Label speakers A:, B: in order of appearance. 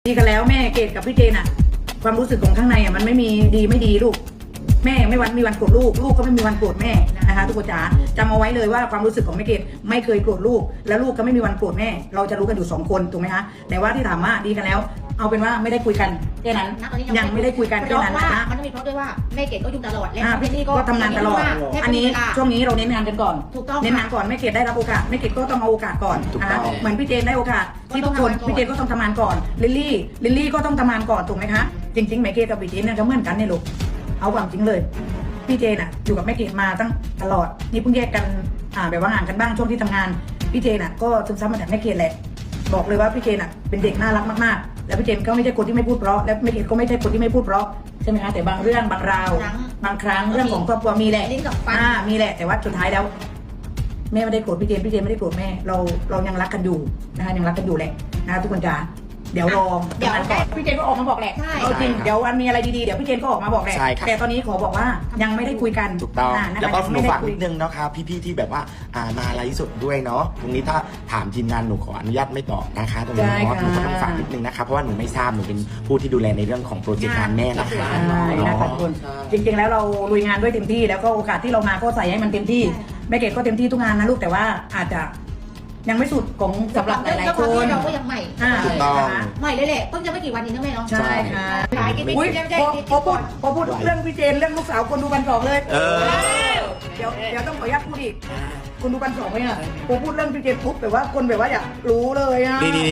A: ดีกันแล้วแม่เกดกับพี่เจนอะความรู้สึกของข้างในอะมันไม่มีดีไม่ดีลูกแม่ไม่มีวันโกรธลูกก็ไม่มีวันโกรธแม่นะคะทุกคนจ๋าจำเอาไว้เลยว่าความรู้สึกของแม่เกดไม่เคยโกรธลูกและลูกก็ไม่มีวันโกรธแม่เราจะรู้กันอยู่2คนถูกไหมคะแต่ว่าที่ถามว่าดีกันแล้วเอาเป็นว่าไม่ได้คุยกันแค่นั้นยังไม่ได้คุยกันแค่นั้นนะ
B: มันต้องมีเพราะด้วยว่าแม่เกดก็ยุ่งตลอดและพี่นี่
A: ก็ทำงานตลอดอันนี้ช่วงนี้เราเน้นงานกันก่อน
B: ถูกต้อง
A: เน้นงานก่อนแม่เกดได้รับโอกาสแม่เกดก็ต้องเอาโอกาสก่อนนะคะเหมือนพี่เจนได้โอกาสที่ทุกคนพี่เจนก็ต้องทำงานก่อนลิลลี่ก็ต้องทำงานก่อนถูกไหมคะจริงๆแม่เกดกับพี่เจนเนี่ยก็เหมือนกันเนี่ยลูกเอาความจริงเลยพี่เจนอะอยู่กับแม่เกดมาตั้งตลอดนี่เพิ่งแยกกันแบบว่าห่างกันบ้างช่วงที่ทำงานพี่เจนอะก็ซึมซับมาจากแม่เกดแหละบอกเลยว่าพี่เจนอะเป็นเด็กน่ารักมากๆแล้วพี่เจนก็ไม่ใช่คนที่ไม่พูดเพราะและแม่เกดก็ไม่ใช่คนที่ไม่พูดเพราะใช่ไหมคะแต่บางเรื่องบางราวบางครั้งเรื่องของครอบครัวมีแหละมีแหละแต่ว่าสุดท้ายแล้วแม่ไม่ได้โกรธพี่เจนไม่ได้โกรธแม่เรายังรักกันอยู่นะคะยังรักกันอยู่แหละนะคะทุกคนจ๋าเดี๋ยวรอเดี๋ยวก่อนพี่เจนก็ออกมาบอกแหละจริงเดี๋ยววันมีอะไรดีๆเดี๋ยวพี่เจนก็ออกมาบอกแหละแต่ตอนนี้ขอบอกว่ายังไม่ได้คุยกัน
C: ถูกต้องแล้วก็หนูฝากนิดนึงนะคะพี่ๆที่แบบว่ามาไลฟ์สดด้วยเนาะตรงนี้ถ้าถามทีมงานหนูขออนุญาตไม่ตอบนะคะตรงนี้เนาะหนูก็ต้องฝากนิดนึงนะคะเพราะว่าหนูไม่ทราบหนูเป็นผู้ที่ดูแลในเรื่องของโปรเจกต์งานแม่นะคะ
A: ขอบคุณจริงๆแล้วเราลุยงานด้วยเต็มที่แล้วก็โอกาสที่เรามาก็ใส่ให้มันเต็มที่แม่เกดก็เต็มที่ทุกงานนะลูกแต่ว่าอาจจะยังไม่สุดของสำหรับหลายๆคน
B: เราก็ยังใหม่ใหม่เลยแหละเพิ่งจะไม่กี่วันนี้นะแม่เนาะ
A: ใช่ค่ะพอพูดเรื่องพี่เจนเรื่องลูกสาวคนดูบันสองเลยเดี๋ยวต้องขออนุญาตพูดอีกคนดูบันสองไหมอ่ะพอพูดเรื่องพี่เจนปุ๊บแบบว่าคนแบบว่าอยากรู้เลยอ่ะ